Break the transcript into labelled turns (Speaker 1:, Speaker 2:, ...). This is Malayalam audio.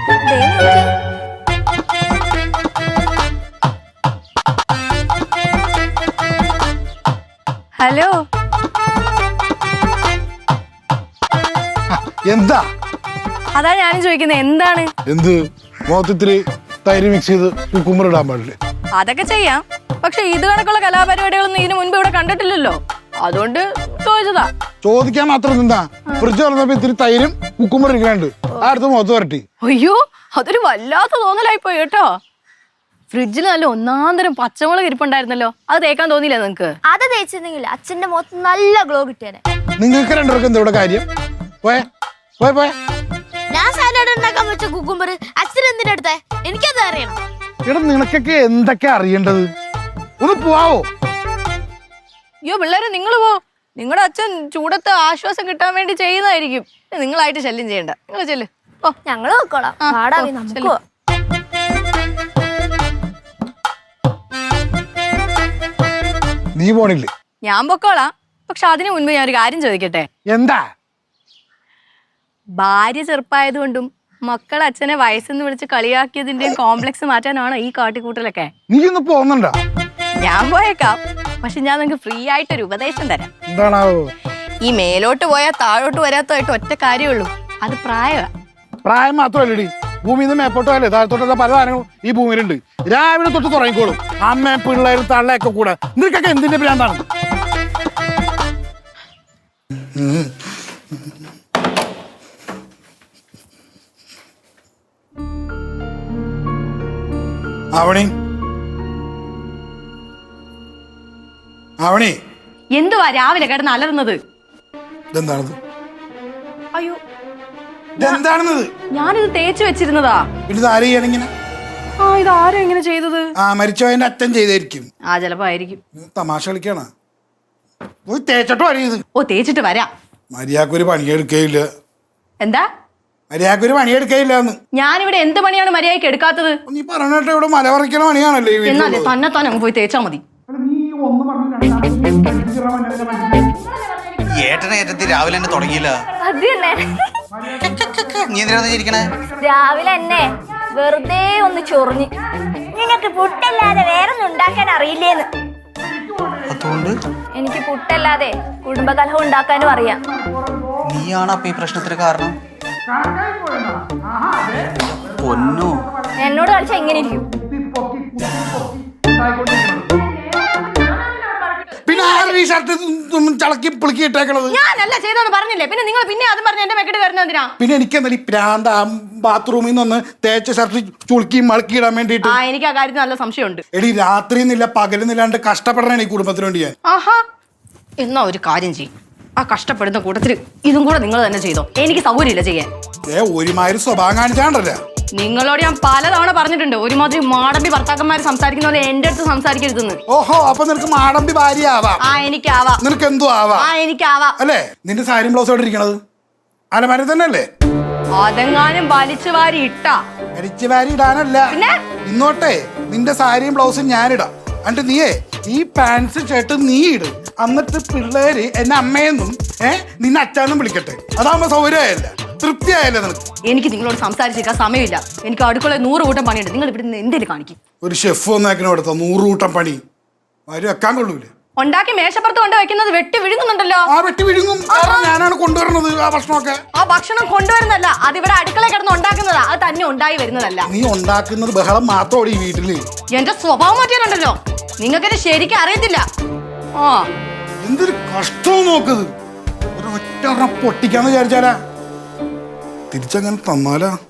Speaker 1: ഹലോ,
Speaker 2: എന്താ?
Speaker 1: അതാ ഞാനും ചോദിക്കുന്നത്, എന്താണ്?
Speaker 2: എന്ത് മൊത്തത്തില് തൈര് മിക്സ് ചെയ്ത് കുക്കുമ്പർ ഇടാൻ പാടില്ലേ?
Speaker 1: അതൊക്കെ ചെയ്യാം, പക്ഷെ ഇത് കണക്കുള്ള കലാപരിപാടികളൊന്നും ഇതിനു മുൻപ് ഇവിടെ കണ്ടിട്ടില്ലല്ലോ, അതുകൊണ്ട് ചോദിച്ചതാ.
Speaker 2: ചോദിക്കാൻ മാത്രം എന്താ? ഫ്രിഡ്ജ് തുറന്നപ്പോ ഇത്തിരി തൈരും കുക്കുമ്പർ ഇരിക്കണുണ്ട്, അടുത്ത് മുഖത്ത് വരട്ടി.
Speaker 1: അയ്യോ, അതൊരു വല്ലാത്ത തോന്നലായി പോയി കേട്ടോ. ഫ്രിഡ്ജിൽ നല്ല ഒന്നാന്തരം പച്ചമുളക് ഇരിപ്പുണ്ടായിരുന്നല്ലോ, അത് തേക്കാൻ തോന്നിയില്ല നിങ്ങക്ക്?
Speaker 3: അത് തേച്ചിരുന്നെങ്കിൽ അച്ഛന്റെ മുഖത്ത് നല്ല ഗ്ലോ കിട്ടിയേനെ.
Speaker 2: നിങ്ങൾക്ക് രണ്ടുപേർക്കും എന്താ ഇവിടെ കാര്യം? പോയെ പോയെ പോയെ.
Speaker 3: ഞാൻ സാലഡ് ഉണ്ടാക്കാൻ വെച്ച കുക്കുംബർ അച്ഛൻ എന്തിനെടുത്തേ? എനിക്കത് അറിയണം.
Speaker 2: എടാ, നിനക്കൊക്കെ എന്തൊക്കെ അറിയേണ്ടത്? ഒന്ന് പോവോ?
Speaker 1: അയ്യോ പിള്ളേരെ, നിങ്ങൾ പോ. നിങ്ങളുടെ അച്ഛൻ ചൂടത്ത് ആശ്വാസം കിട്ടാൻ വേണ്ടി ചെയ്യുന്നതായിരിക്കും. നിങ്ങളായിട്ട് ശല്യം ചെയ്യണ്ട, നിങ്ങൾ ചെല്ല്. ഓ,
Speaker 3: ഞങ്ങള് നോക്കോളാം. പാടാവി നമുക്ക്.
Speaker 2: നീ പോണില്ലേ?
Speaker 1: ഞാൻ പൊക്കോളാം, പക്ഷെ അതിനു മുൻപ് ഞാൻ ഒരു കാര്യം ചോദിക്കട്ടെ.
Speaker 2: എന്താ?
Speaker 1: ഭാര്യ ചെറുപ്പായതുകൊണ്ടും മക്കൾ അച്ഛനെ വയസ്സെന്ന് വിളിച്ച് കളിയാക്കിയതിന്റെയും കോംപ്ലക്സ് മാറ്റാനാണോ ഈ കാട്ടിക്കൂട്ടലൊക്കെ?
Speaker 2: നീ ഒന്ന് പോകുന്നുണ്ടോ?
Speaker 1: ഞാൻ പോയേക്കാം, പക്ഷെ ഞാൻ നിങ്ങൾക്ക് ഫ്രീ ആയിട്ടൊരു ഉപദേശം തരാം.
Speaker 2: എന്താണാവോ?
Speaker 1: ഈ മേലോട്ട് പോയാൽ താഴോട്ട് വരാത്തതായിട്ട് ഒറ്റ കാര്യമുള്ളൂ, അത് പ്രായമാണ്.
Speaker 2: പ്രായം മാത്രമല്ലടി, ഭൂമിയിൽ നിന്ന് മേപ്പോട്ട് പോയാലേ താഴത്തോട്ടുള്ള പല സാധനങ്ങളും ഈ ഭൂമിയിലുണ്ട്. രാവിലെ തൊട്ട് തുടങ്ങിക്കോളും അമ്മ പിള്ളേരും തള്ളയൊക്കെ കൂടെ. നിനക്കൊക്കെ എന്തിന്റെ ഭ്രാന്താണ്? ആവണി, ആവണി,
Speaker 1: എന്തുവാ രാവിലെ കിടന്ന് അലറുന്നത്?
Speaker 2: ഇതെന്താണത്?
Speaker 1: അയ്യോ,
Speaker 2: ഇതെന്താണെന്നത്?
Speaker 1: ഞാനിത് തേച്ച് വെച്ചിരുന്നതാ.
Speaker 2: പിന്നെ ഇത് ആര് ചെയ്യണിങ്ങനെ?
Speaker 1: ആ, ഇത് ആരും എങ്ങനെ ചെയ്തത്?
Speaker 2: ആ, മരിച്ചവന്റെ അച്ഛൻ ചെയ്തായിരിക്കും.
Speaker 1: ആ, ചിലപ്പോ ആയിരിക്കും.
Speaker 2: തമാശ കളിക്കാണ്. പോയി തേച്ചിട്ടോ അറിയത്?
Speaker 1: ഓ, തേച്ചിട്ട് വരാം.
Speaker 2: മര്യാദക്കൊരു പണിയെടുക്കയില്ല.
Speaker 1: എന്താ?
Speaker 2: മര്യാദക്കൊരു പണിയെടുക്കയില്ല എന്ന്.
Speaker 1: ഞാനിവിടെ എന്ത് പണിയാണ് മര്യാദയ്ക്ക് എടുക്കാത്തത്?
Speaker 2: നീ പറഞ്ഞിട്ട് ഇവിടെ മല പറിക്കണ പണിയാണല്ലേ ഈ
Speaker 1: എന്നാലേ തന്നെ അങ്ങ് പോയി തേച്ചാ മതി.
Speaker 4: ഏട്ടനെ ഏറ്റത്തി രാവിലെ തന്നെ തുടങ്ങിയില്ല.
Speaker 3: അത് തന്നെ.
Speaker 4: നീ എന്തിനാ ചിരിക്കണേ?
Speaker 3: രാവിലെ എന്നെ വെറുതെ ഒന്ന് ചൊറിഞ്ഞു. നിനക്ക് പുട്ടല്ലാതെ വേറൊന്നും ഉണ്ടാക്കാൻ അറിയില്ലേന്ന്.
Speaker 4: അതുകൊണ്ട്
Speaker 3: എനിക്ക് പുട്ടല്ലാതെ കുടുംബകലഹം ഉണ്ടാക്കാനും അറിയാം.
Speaker 4: നീയാണ് അപ്പൊ ഈ പ്രശ്നത്തിന് കാരണം? പൊന്നോ,
Speaker 3: എന്നോട് കളിച്ച എങ്ങനെ ഇരിക്കും?
Speaker 2: പിന്നെ ആരും ഈ ഷർട്ട് ചളക്കി പിളുക്കി ഇട്ടേക്കണത്?
Speaker 1: ഞാനല്ല ചെയ്തെന്ന് പറഞ്ഞില്ലേ, പിന്നെ നിങ്ങൾ പിന്നെ അതും പറഞ്ഞ് എന്റെ മെക്കെട്ട് വരുന്ന എന്തിനാ?
Speaker 2: പിന്നെ എനിക്ക് എന്താ ഈ പ്രാന്ത ബാത്റൂമിൽ നിന്ന് തേച്ച ഷർട്ട് ചുളുക്കി മളക്കി ഇടാൻ വേണ്ടിട്ട്?
Speaker 1: ആ, എനിക്ക് ആ കാര്യത്തിൽ നല്ല സംശയമുണ്ട്.
Speaker 2: എടി, രാത്രിന്നില്ല പകലുന്നില്ലാണ്ട് കഷ്ടപ്പെടണേ ഈ കുടുംബത്തിന് വേണ്ടി ഞാൻ.
Speaker 1: ആഹാ, എന്നാ ഒരു കാര്യം ചെയ്യും, ആ കഷ്ടപ്പെടുന്ന കൂട്ടത്തിൽ ഇതും കൂടെ നിങ്ങൾ തന്നെ ചെയ്തോ, എനിക്ക് സൗകര്യമില്ല ചെയ്യാൻ.
Speaker 2: ഒരുമാതിരി സ്വഭാവം കാണിച്ചാണ്ടല്ലേ?
Speaker 1: നിങ്ങളോട് ഞാൻ പലതവണ പറഞ്ഞിട്ടുണ്ട്, ഒരുമാതിരി മാടമ്പി ഭർത്താക്കന്മാർ സംസാരിക്കുന്ന പോലെ എന്റെ അടുത്ത് സംസാരിക്കരുതെന്ന്.
Speaker 2: ഓഹോ, അപ്പൊ നിനക്ക് മാടമ്പി ഭാര്യ ആവാം.
Speaker 1: ആ, എനിക്കാവാം.
Speaker 2: നിനക്ക് എന്തോ ആവാം.
Speaker 1: ആ, എനിക്കാവാം.
Speaker 2: അല്ലേ? നിന്റെ സാരിയും ബ്ലൗസോടെ ഇരിക്കണത് അലമാര തന്നെ അല്ലേ?
Speaker 1: അതെങ്ങാനും വലിച്ചു വാരി ഇട്ടാ
Speaker 2: അരിച്ചു വാരി ഇടാനല്ല,
Speaker 1: പിന്നെ
Speaker 2: ഇന്നോട്ടെ നിന്റെ സാരിയും ബ്ലൗസും ഞാനിടാം. എന്നിട്ട് നീയേ ഈ പാൻസ് ഷർട്ട് നീ ഇട്. എന്നിട്ട് പിള്ളേര് എന്നെ അമ്മയെന്നും നിന്നെ അച്ഛനും വിളിക്കട്ടെ. അതാകുമ്പോ സൗകര്യമായല്ല, തൃപ്തിയായല്ലേ നിനക്ക്?
Speaker 1: എനിക്ക് നിങ്ങളോട് സംസാരിച്ചിരിക്കാൻ സമയമില്ല. എനിക്ക് അടുക്കളയിൽ 100 കൂട്ടം പണിയുണ്ട്. നിങ്ങൾ ഇവിടെ നിന്ന് എന്തേലും കാണിക്കും.
Speaker 2: ഒരു ഷെഫ് വന്നേക്കണ എടുത്ത 100 കൂട്ടം പണി ആരും വെക്കാൻ കൊള്ളൂലേ?
Speaker 1: ഉണ്ടാക്കി മേശപ്പുറത്ത് കൊണ്ട് വെക്കുന്നത് വെട്ടി വിഴുങ്ങുന്നുണ്ടല്ലോ.
Speaker 2: ആ, വെട്ടി വിഴുങ്ങും. ഞാനാണ് കൊണ്ടുവരണത് ആ ഭക്ഷണമൊക്കെ.
Speaker 1: ആ ഭക്ഷണം കൊണ്ടുവരുന്നല്ല, അതിവിടെ അടുക്കളയിൽ കിടന്ന് ഉണ്ടാക്കുന്നതാ. അത് തന്നെ ഉണ്ടായി വരുന്നതല്ല.
Speaker 2: നീ ഉണ്ടാക്കുന്നത് ബഹളം മാത്രമാണ് ഈ വീട്ടില്.
Speaker 1: എന്റെ സ്വഭാവം മാറ്റിയാലുണ്ടല്ലോ, നിങ്ങൾക്കെന്നെ ശരിക്കും അറിയത്തില്ല. ആ,
Speaker 2: എന്തൊരു കഷ്ടവും നോക്കത്. ഒരൊറ്റ പൊട്ടിക്കാന്ന് വിചാരിച്ചാലാ തിരിച്ചങ്ങനെ തന്നാലാ.